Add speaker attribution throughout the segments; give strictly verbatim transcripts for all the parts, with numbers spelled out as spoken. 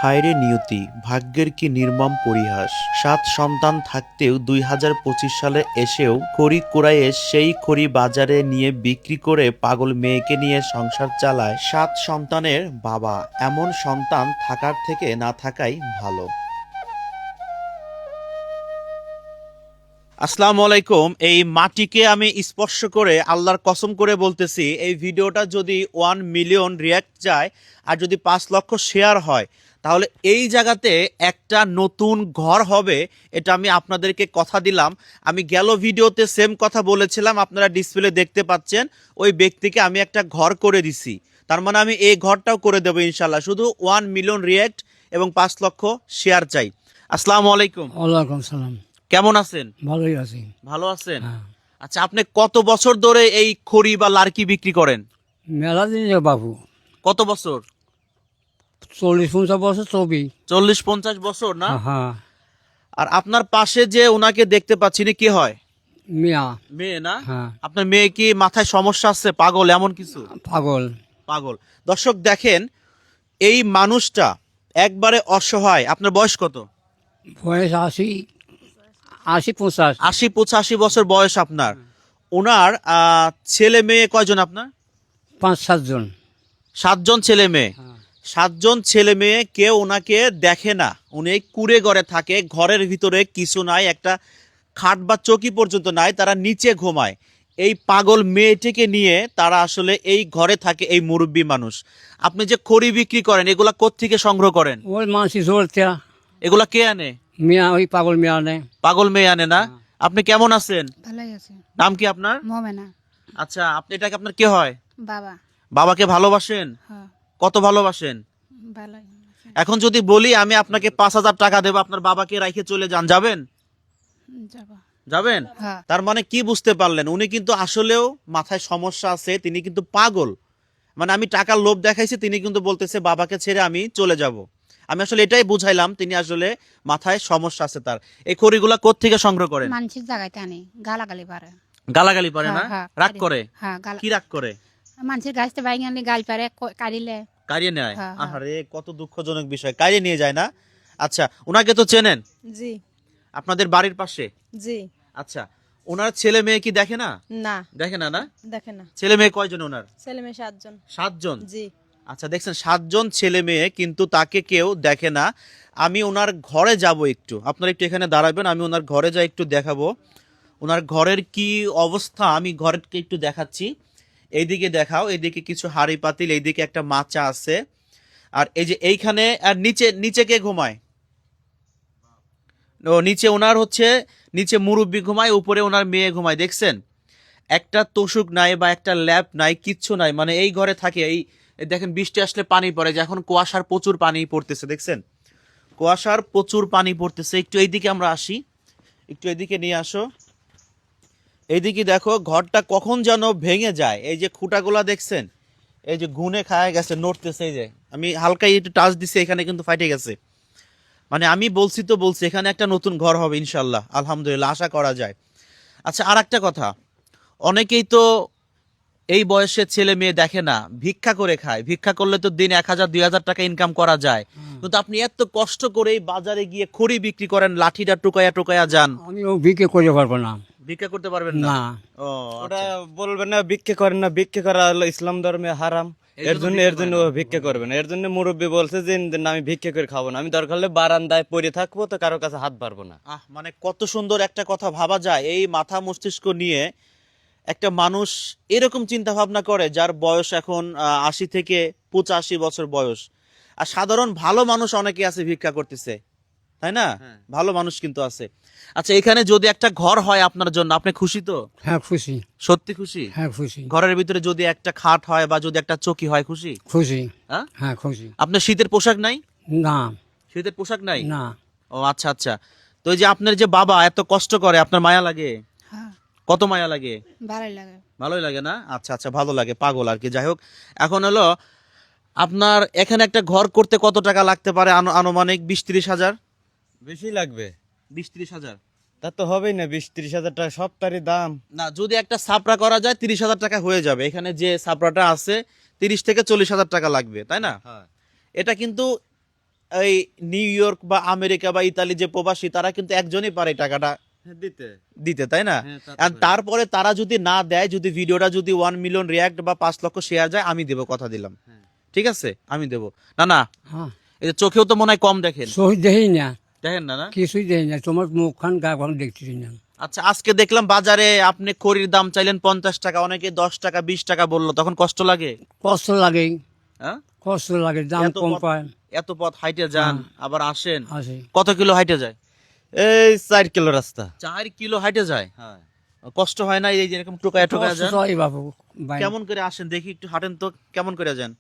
Speaker 1: হায়রে নিয়তি, ভাগ্যের কি নির্মম পরিহাস। সাত সন্তান থাকতেও দুই হাজার পঁচিশ সালে এসেও খড়ি কুড়াইয়ে সেই খড়ি বাজারে নিয়ে বিক্রি করে পাগল মেয়েকে নিয়ে সংসার চালায় সাত সন্তানের বাবা। এমন সন্তান থাকার থেকে না থাকাই ভালো। আসসালামু আলাইকুম। এই মাটিকে আমি স্পর্শ করে আল্লাহর কসম করে বলতেছি, এই ভিডিওটা যদি ওয়ান মিলিয়ন রিয়াক্ট যায় আর যদি পাঁচ লক্ষ শেয়ার হয়, তাহলে এই জায়গাতে একটা নতুন ঘর হবে। এটা আমি আপনাদেরকে কথা দিলাম। আমি গেল ভিডিওতে সেম কথা বলেছিলাম, আপনারা ডিসপ্লে দেখতে পাচ্ছেন। ওই ব্যক্তিকে আমি একটা ঘর করে দিছি, তার মানে আমি এই ঘরটাও করে দেবো ইনশাল্লাহ। শুধু ওয়ান মিলিয়ন রিয়াক্ট এবং পাঁচ লক্ষ শেয়ার চাই। আসসালামু আলাইকুম।
Speaker 2: ওয়ালাইকুম সালাম।
Speaker 1: কেমন আছেন?
Speaker 2: ভালোই আছি।
Speaker 1: ভালো আছেন?
Speaker 2: হ্যাঁ।
Speaker 1: আচ্ছা, আপনি কত বছর ধরে এই খড়ি বা লার্কি বিক্রি করেন?
Speaker 2: মেলা দিন যে বাবু,
Speaker 1: কত বছর?
Speaker 2: চল্লিশ পঞ্চাশ বছর ছবি।
Speaker 1: চল্লিশ পঞ্চাশ বছর না?
Speaker 2: হ্যাঁ।
Speaker 1: আর আপনার পাশে যে ওনাকে দেখতে পাচ্ছি, কি হয়?
Speaker 2: মিয়া।
Speaker 1: মেয়ে না?
Speaker 2: হ্যাঁ।
Speaker 1: আপনার মেয়ে কি মাথায় সমস্যা আছে, পাগল এমন কিছু?
Speaker 2: পাগল।
Speaker 1: পাগল। দর্শক দেখেন, এই মানুষটা একবারে অসহায়। আপনার বয়স কত?
Speaker 2: বয়স আশি আশি পঞ্চাশ।
Speaker 1: আশি পঁচাশি বছর বয়স আপনার। ওনার আহ, ছেলে মেয়ে কয়জন আপনার?
Speaker 2: পাঁচ সাতজন।
Speaker 1: সাতজন ছেলে মেয়ে। সাতজন ছেলে মেয়ে, কেউ ওনাকে দেখে না। উনি কুড়ে ঘরে থাকে, ঘরের ভিতরে কিছু নাই, একটা খাট বা চৌকি পর্যন্ত নাই, তারা নিচে ঘুমায়। এই পাগল মেয়েটিকে নিয়ে তারা আসলে এই ঘরে থাকে, এই মুরব্বী মানুষ। আপনি যে খড়ি বিক্রি করেন, এগুলা কোত্থেকে সংগ্রহ করেন?
Speaker 2: ওই মানসি জোরতে
Speaker 1: এগুলা কে আনে?
Speaker 2: মিয়া, ওই পাগল মিয়া নেই।
Speaker 1: পাগল মেয়ে আনে না? আপনি কেমন আছেন?
Speaker 3: ভালোই আছে।
Speaker 1: নাম কি আপনার?
Speaker 3: মোমেনা।
Speaker 1: আচ্ছা, আপনি এটাকে আপনার কে হয়?
Speaker 3: বাবা।
Speaker 1: বাবাকে ভালোবাসেন?
Speaker 3: হ্যাঁ,
Speaker 1: কত ভালোবাসেন?
Speaker 3: ভালোই আছে।
Speaker 1: এখন যদি বলি আমি আপনাকে পাঁচ হাজার টাকা দেবো, আপনার বাবাকে রাইখে চলে যান, যাবেন?
Speaker 3: যাবা।
Speaker 1: যাবেন?
Speaker 3: হ্যাঁ।
Speaker 1: তার মানে কি বুঝতে পারলেন? উনি কিন্তু আসলেও মাথায় সমস্যা আছে, তিনি কিন্তু পাগল। মানে আমি টাকার লোভ দেখাইছি, তিনি কিন্তু বলতেছে বাবাকে ছেড়ে আমি চলে যাব। আমি আসলে এটাই বুঝাইলাম, তিনি আসলে মাথায় সমস্যা আছে তার। এই খড়িগুলা কোত্থেকে সংগ্রহ করেন?
Speaker 3: মানুষের জায়গাতে আনি, গালাগালি পারে।
Speaker 1: গালাগালি পারে না?
Speaker 3: হ্যাঁ, হ্যাঁ,
Speaker 1: রাগ
Speaker 3: পারে।
Speaker 1: করে?
Speaker 3: হ্যাঁ, গালা।
Speaker 1: কি রাগ করে?
Speaker 3: মানুষের গাছতে বাইং আনলে গাল পারে, ক- কাড়িলে।
Speaker 1: কারিয়ে নেয়?
Speaker 3: হ্যাঁ, হ্যাঁ।
Speaker 1: আহারে, কত দুঃখজনক বিষয়, কারিয়ে নিয়ে যায় না? আচ্ছা, ওনাকে তো চেনেন,
Speaker 4: জি
Speaker 1: আপনাদের বাড়ির পাশে।
Speaker 4: জি
Speaker 1: আচ্ছা, ওনার ছেলে মেয়ে কি দেখে না?
Speaker 4: না
Speaker 1: দেখে না না?
Speaker 4: দেখে না।
Speaker 1: ছেলে মেয়ে কয়জন ওনার?
Speaker 4: ছেলে মেয়ে সাতজন।
Speaker 1: সাতজন?
Speaker 4: জি
Speaker 1: আচ্ছা, দেখছেন, সাতজন ছেলে মেয়ে, কিন্তু তাকে কেউ দেখে না। আমি ওনার ঘরে যাব একটু, আপনারা একটু এখানে দাঁড়াবেন, আমি ওনার ঘরে যাই, একটু দেখাবো ওনার ঘরের কি অবস্থা। আমি ঘরকে একটু দেখাচ্ছি। এইদিকে দেখাও, এইদিকে কিছু হাঁড়ি পাতিল, এইদিকে একটা মাচা আছে। আর এই যে এইখানে, আর নিচে, নিচে কে ঘুমায়? ও, নিচে ওনার হচ্ছে, নিচে মুরব্বি ঘুমায়, উপরে ওনার মেয়ে ঘুমায়। দেখছেন, একটা তোষক নাই বা একটা ল্যাপ নাই, কিচ্ছু নাই। মানে এই ঘরে থাকে। এই এই দেখেন, বৃষ্টি আসলে পানি পড়ে, যে এখন কুয়াশার প্রচুর পানি পড়তেছে, দেখছেন কুয়াশার প্রচুর পানি পড়তেছে। একটু এইদিকে আমরা আসি, একটু এদিকে নিয়ে আসো। এইদিকে দেখো, ঘরটা কখন যেন ভেঙে যায়। এই যে খুঁটাগুলা দেখছেন, এই যে গুনে খায় গেছে, নড়তেছে। এই যে আমি হালকা একটু টাচ দিছি, এখানে কিন্তু ফাইটে গেছে। মানে আমি বলছি তো বলছি, এখানে একটা নতুন ঘর হবে ইনশাল্লাহ, আলহামদুলিল্লাহ, আশা করা যায়। আচ্ছা, আর একটা কথা, অনেকেই তো এই বয়সের ছেলে মেয়ে দেখে না, ভিক্ষা করে খায়। ভিক্ষা করলে তো দিন এক হাজার দুই হাজার টাকা ইনকাম করা যায়, কিন্তু আপনি এত কষ্ট করে এই বাজারে গিয়ে খড়ি বিক্রি করেন, লাঠিটা টোকায়া টোকায়া যান।
Speaker 2: আমিও বিক্রি করতে পারবো না।
Speaker 1: ভিক্ষা করতে পারবেন না?
Speaker 2: না।
Speaker 1: ও,
Speaker 5: ওটা
Speaker 1: আচ্ছা।
Speaker 5: বলবেন না ভিক্ষে করেন না, ভিক্ষে করা হলো ইসলাম ধর্মে হারাম।
Speaker 1: এই
Speaker 5: এর
Speaker 1: জন্য
Speaker 5: জন্য
Speaker 1: ভিক্ষে
Speaker 5: এর জন্য
Speaker 1: করে
Speaker 5: ও ভিক্ষে করবে না। এর জন্য মুরব্বী বলছে যে না, আমি ভিক্ষে করে খাবো না, আমি দরকার হলে বারান্দায় পড়ে থাকবো, তো কারো কাছে হাত বাড়বো না।
Speaker 1: আহ, মানে কত সুন্দর একটা কথা ভাবা যায়। এই মাথা মস্তিষ্ক নিয়ে একটা মানুষ এরকম চিন্তা ভাবনা করে, যার বয়স এখন আহ, আশি থেকে পঁচাশি বছর বয়স। আর সাধারণ ভালো মানুষ অনেকে আছে ভিক্ষা করতেছে, তাই না? ভালো মানুষ কিন্তু আছে। আচ্ছা, এখানে যদি একটা ঘর হয় আপনার জন্য, আপনি খুশি তো?
Speaker 2: হ্যাঁ খুশি।
Speaker 1: সত্যি খুশি?
Speaker 2: হ্যাঁ খুশি।
Speaker 1: ঘরের ভিতরে যদি একটা খাট হয় বা যদি একটা চৌকি হয়, খুশি?
Speaker 2: খুশি।
Speaker 1: হ্যাঁ?
Speaker 2: হ্যাঁ খুশি।
Speaker 1: আপনার শীতের পোশাক নাই?
Speaker 2: না।
Speaker 1: শীতের পোশাক নাই?
Speaker 2: না।
Speaker 1: ও আচ্ছা আচ্ছা। তো এই যে আপনার যে বাবা এত কষ্ট করে, আপনার মায়া লাগে?
Speaker 3: হ্যাঁ,
Speaker 1: কত মায়া লাগে?
Speaker 3: ভালোই লাগে।
Speaker 1: ভালোই লাগে না? আচ্ছা আচ্ছা, ভালো লাগে, পাগল আর কি। যাই হোক, এখন হলো আপনার এখানে একটা ঘর করতে কত টাকা লাগতে পারে? আনু- আনুমানিক বিশ ত্রিশ হাজার?
Speaker 5: বেশি লাগবে।
Speaker 1: বিশ ত্রিশ হাজার?
Speaker 5: তা তো হবেই না, বিশ ত্রিশ হাজার টাকা সপ্তাহের দাম।
Speaker 1: না, যদি একটা সাপড়া করা যায় তিরিশ হাজার টাকা হয়ে যাবে। এখানে যে সাপড়াটা আছে, তিরিশ থেকে চল্লিশ হাজার টাকা লাগবে, তাই না?
Speaker 5: হ্যাঁ।
Speaker 1: এটা কিন্তু এই নিউ ইয়র্ক বা আমেরিকা বা ইতালি যে প্রবাসী তারা কিন্তু একজনই পারে এই টাকাটা
Speaker 5: হ্যাঁ, দিতে
Speaker 1: দিতে, তাই না?
Speaker 5: হ্যাঁ, তা তো
Speaker 1: আর
Speaker 5: পারে।
Speaker 1: তারপরে তারা যদি না দেয়, যদি ভিডিওটা যদি ওয়ান মিলিয়ন রিয়াক্ট বা পাঁচ লক্ষ শেয়ার যায়, আমি দেবো, কথা দিলাম।
Speaker 5: হ্যাঁ।
Speaker 1: ঠিক আছে, আমি দেবো। না না,
Speaker 2: হ্যাঁ
Speaker 1: এই যে চোখেও তো মনে হয় কম দেখেন,
Speaker 2: সহি দেখি না,
Speaker 1: দেখেন না না?
Speaker 2: কিছুই দেখি না, তোমার মুখখান গা খান দেখতেছি না।
Speaker 1: আচ্ছা, আজকে দেখলাম বাজারে আপনি খড়ির দাম চাইলেন পঞ্চাশ টাকা, অনেকে দশ টাকা বিশ টাকা বললো, তখন কষ্ট লাগে?
Speaker 2: কষ্ট লাগে,
Speaker 1: হ্যাঁ,
Speaker 2: কষ্ট লাগে, দাম
Speaker 1: এত
Speaker 2: কম
Speaker 1: পথ-
Speaker 2: পায়।
Speaker 1: এত পথ হাইটে যান,
Speaker 2: হ্যাঁ।
Speaker 1: আবার আসেন,
Speaker 2: আছে
Speaker 1: কত কিলো হাইটে যায়?
Speaker 5: এই চার কিলো রাস্তা।
Speaker 1: চার কিলো হাইটে যায়,
Speaker 5: হ্যাঁ,
Speaker 1: কষ্ট হয় না? এই যে এরকম টোকায় টোকায়
Speaker 2: কষ্ট
Speaker 1: যান,
Speaker 2: তো হয় বাবু ভাই।
Speaker 1: কেমন করে আসেন দেখি, একটু হাঁটেন তো, কেমন করে যান?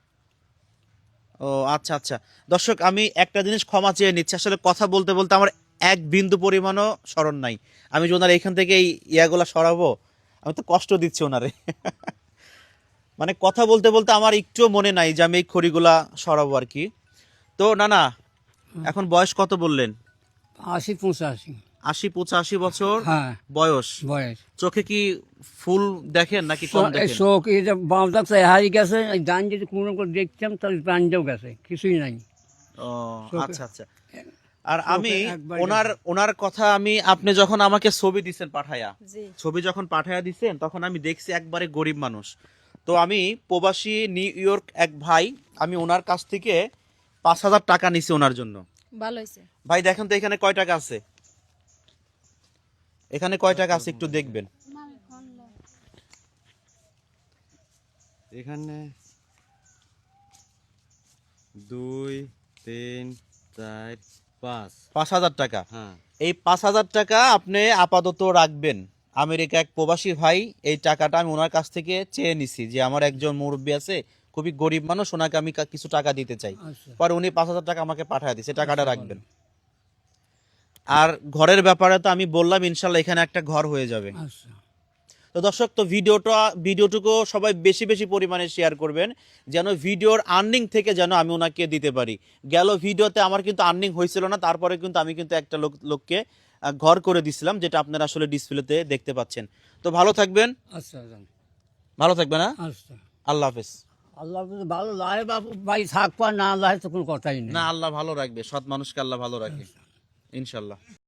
Speaker 1: ও আচ্ছা আচ্ছা, দর্শক আমি একটা জিনিস ক্ষমা চেয়ে নিচ্ছি, আসলে কথা বলতে বলতে আমার এক বিন্দু পরিমাণও স্মরণ নাই। আমি যে ওনার এখান থেকে এই ইয়াগুলা সরাবো, আমি তো কষ্ট দিচ্ছি ওনারে। মানে কথা বলতে বলতে আমার একটুও মনে নাই যে আমি এই খড়িগুলা সরাবো আর কি। তো না না, এখন বয়স কত বললেন?
Speaker 2: আশি পঁচাশি।
Speaker 1: আশি পঁচাশি বছর
Speaker 2: হ্যাঁ
Speaker 1: বয়স।
Speaker 2: বয়স।
Speaker 1: চোখে কি ফুল দেখেন নাকি কম দেখেন?
Speaker 2: শোক এই যে বাম ডাক্তার হারিয়ে গেছে, এই ডান যদি কোনো করে দেখতাম তাহলে প্রাণটাও গেছে, কিছুই নাই।
Speaker 1: ও
Speaker 2: চোখে-
Speaker 1: আচ্ছা আচ্ছা। আর
Speaker 2: চোখে
Speaker 1: আমি
Speaker 2: একবার
Speaker 1: ওনার ওনার কথা আমি, আপনি যখন আমাকে ছবি দিছেন পাঠায়া, ছবি যখন পাঠায়া দিছেন তখন আমি দেখছি একবারে গরিব মানুষ। তো আমি প্রবাসী নিউ ইয়র্ক এক ভাই, আমি ওনার কাছ থেকে পাঁচ হাজার টাকা নিছি ওনার জন্য।
Speaker 3: ভালো হয়েছে।
Speaker 1: ভাই দেখেন তো এখানে কয় টাকা আছে, এখানে কয় টাকা আছে একটু দেখবেন।
Speaker 5: এখানে দুই তিন চার পাঁচ।
Speaker 1: পাঁচ হাজার টাকা।
Speaker 5: হ্যাঁ,
Speaker 1: এই পাঁচ হাজার টাকা আপনি আপাতত রাখবেন। আমেরিকা এক প্রবাসী ভাই, এই টাকাটা আমি ওনার কাছ থেকে চেয়ে নিছি যে আমার একজন মুরব্বী আছে, খুবই গরিব মানুষ, ওনাকে আমি কা- কিছু টাকা দিতে চাই।
Speaker 2: আচ্ছা
Speaker 1: পরে উনি পাঁচ হাজার টাকা আমাকে পাঠিয়ে দিচ্ছে, টাকাটা রাখবেন। আর ঘরের ব্যাপারে তো আমি বললাম ইনশাল্লাহ এখানে একটা ঘর হয়ে যাবে।
Speaker 2: আচ্ছা
Speaker 1: তো দর্শক, তো ভিডিওটা ভিডিওটুকু সবাই বেশি বেশি পরিমাণে শেয়ার করবেন, যেন ভিডিওর আর্নিং থেকে যেন আমি ওনাকে দিতে পারি। গেল ভিডিওতে আমার কিন্তু আর্নিং হয়েছিল না, তারপরে কিন্তু আমি কিন্তু একটা লোক লোককে আহ, ঘর করে দিছিলাম, যেটা আপনারা আসলে ডিসপ্লেতে দেখতে পাচ্ছেন। তো ভালো থাকবেন,
Speaker 2: আচ্ছা
Speaker 1: ভালো থাকবেন, হ্যাঁ,
Speaker 2: আচ্ছা।
Speaker 1: আল্লাহ হাফেজ।
Speaker 2: আল্লাহ যদি ভালো লাগে বাবু ভাই, থাকবা না লাগে তো কোনো কথাই নেই।
Speaker 1: না, আল্লাহ ভালো রাখবে, সৎ মানুষকে আল্লাহ ভালো রাখে ইনশাল্লাহ।